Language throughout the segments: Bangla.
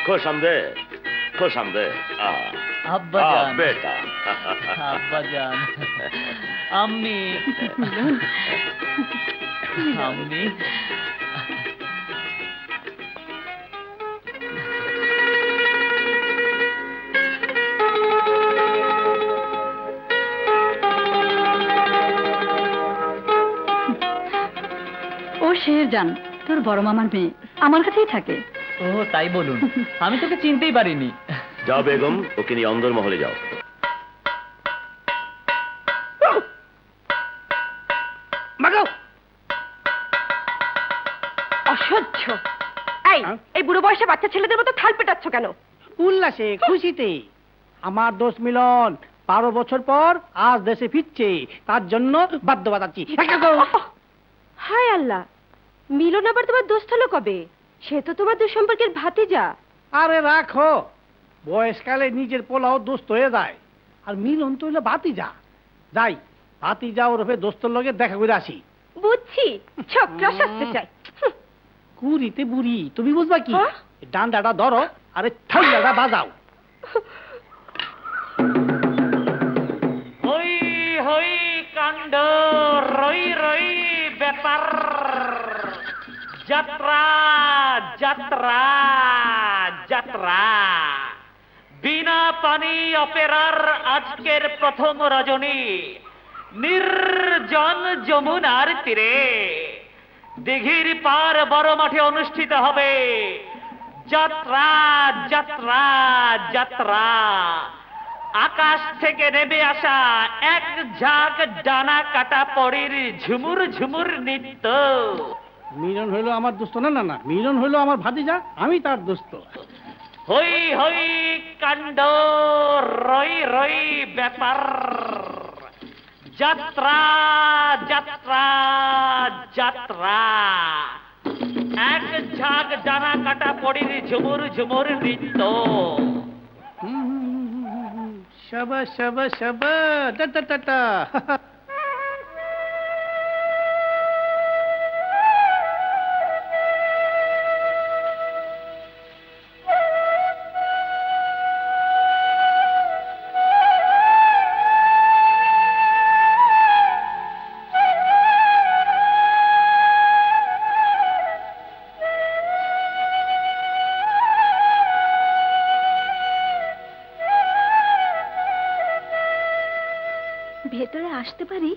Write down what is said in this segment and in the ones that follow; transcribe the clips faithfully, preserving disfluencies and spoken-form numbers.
खुश आमदेद, खुश आमदेद। আব্বা हाँ জান, बेटा। আব্বা জান, আম্মি, আম্মি। ও শেরজান, তোর বড় মামার মেয়ে, আমার কাছেই থাকে। ও তাই বলুন, আমি তোকে চিনতেই পারিনি। जाओ बेगम, ओके नहीं अंदर महले जाओ। মাগাও। অসহ্য। এই এই বুড়ো বয়সে বাচ্চা ছেলেদের মতো থাল পেটাচ্ছ কেন? উল্লাসে খুশিতে আমার দোষ মিলন বারো বছর পর আজ দেশে ফিরছে, তার জন্য বাদ্য বাজাচ্ছি। হায় আল্লাহ, মিলন আবার তোমার দোস্ত হলো কবে? সে তো তোমার দুঃসম্পর্কের ভাতিজা। আরে রাখো, বয়সকালে নিজের পোলাও দোস্ত হয়ে যায়, আর মিলন তো হইলো ভাতিজা। যাই ভাতিজা ওরফে দোস্তর লগে দেখা করে আসি। বুঝছি, ছোকরা সাজতে চাই। হুঁ, কুড়িতে বুড়ি, তুমি বুঝবা কি? হ্যাঁ? ডান্ডাটা ধরো আরে ঠান্ডাটা বাজাও। হই হই কাণ্ড, রই রই ব্যাপার, যাত্রা যাত্রা যাত্রা। বিনা পানি অপেরার আজকের প্রথম রজনী, নির্জন যমুনার তীরে দিঘির পার বড় মাঠে অনুষ্ঠিত হবে যাত্রা যাত্রা যাত্রা। আকাশ থেকে নেমে আসা এক ঝাঁক ডানা কাটা পরীর ঝুমুর ঝুমুর নৃত্য। মিলন হইলো আমার দোস্ত না, না না মিলন হইলো আমার ভাতিজা, আমি তার দোস্ত। হই হই কাণ্ড, রই রই ব্যাপার, যাত্রা যাত্রা যাত্রা। এক ঝাঁক ডানা কাটা পরীর ঝুমুর ঝুমুর নৃত্য। শাবা শাবা শাবা টা টা টা টা। ভেতরে আসতে পারি?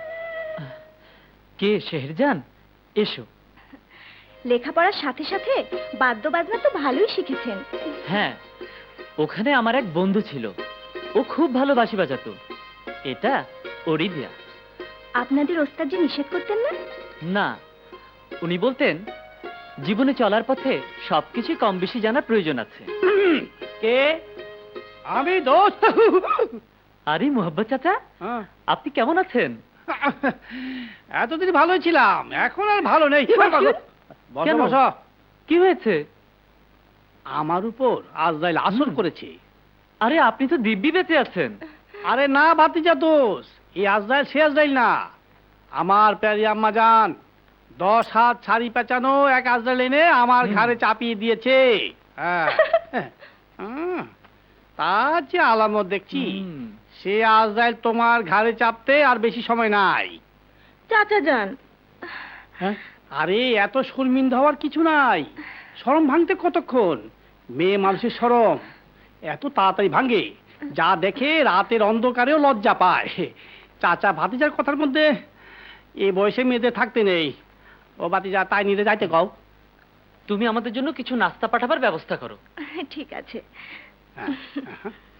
কে শেহরজান? এসো। লেখাপড়ার সাথে সাথে বাদ্য বাজনা তো ভালোই শিখেছেন। হ্যাঁ, ওখানে আমার এক বন্ধু ছিল, ও খুব ভালো বাঁশি বাজাতো। এটা ওরই দেয়া। আপনাদের ওস্তাদ যে নিষেধ করতেন না? না, উনি বলতেন জীবনে চলার পথে সবকিছু কম বেশি জানার প্রয়োজন আছে। কে? আমি দোস্ত। আরে মোহাব্বত চাচা, হ্যাঁ। আপনি কেমন আছেন? এতদিন ভালোই ছিলাম, এখন আর ভালো নেই। বসো কেন? বসো। কি হয়েছে? আমার উপর আজরাইল আসর হুম। করেছে। আরে আপনি তো দিব্যি বেঁচে আছেন। আরে না ভাতিজা দোষ, এই আজরাইল সে আজরাইল না, আমার প্যারি আম্মা জান দশ হাত ছাড়ি পেঁচানো এক আজরাইল এনে আমার হুম। ঘাড়ে চাপিয়ে দিয়েছে। হ্যাঁ। হুম। তার যে আলামত দেখছি, হুম। সে আজরাইল তোমার ঘাড়ে চাপতে আর বেশি সময় নাই। চাচা যান, হ্যাঁ? আরে এত শর্মিন্দা হওয়ার কিছু নাই, শরম ভাঙতে কতক্ষণ? মেয়ে মানুষের শরম এত তাড়াতাড়ি ভাঙে, যা দেখে রাতের অন্ধকারেও লজ্জা পায়। চাচা ভাতিজার কথার মধ্যে এ বয়সে মেয়েদের থাকতে নেই। ও ভাতিজা তাই নিতে যাইতে কও। তুমি আমাদের জন্য কিছু নাস্তা পাঠাবার ব্যবস্থা করো। ঠিক আছে। হ্যাঁ, হ্যাঁ।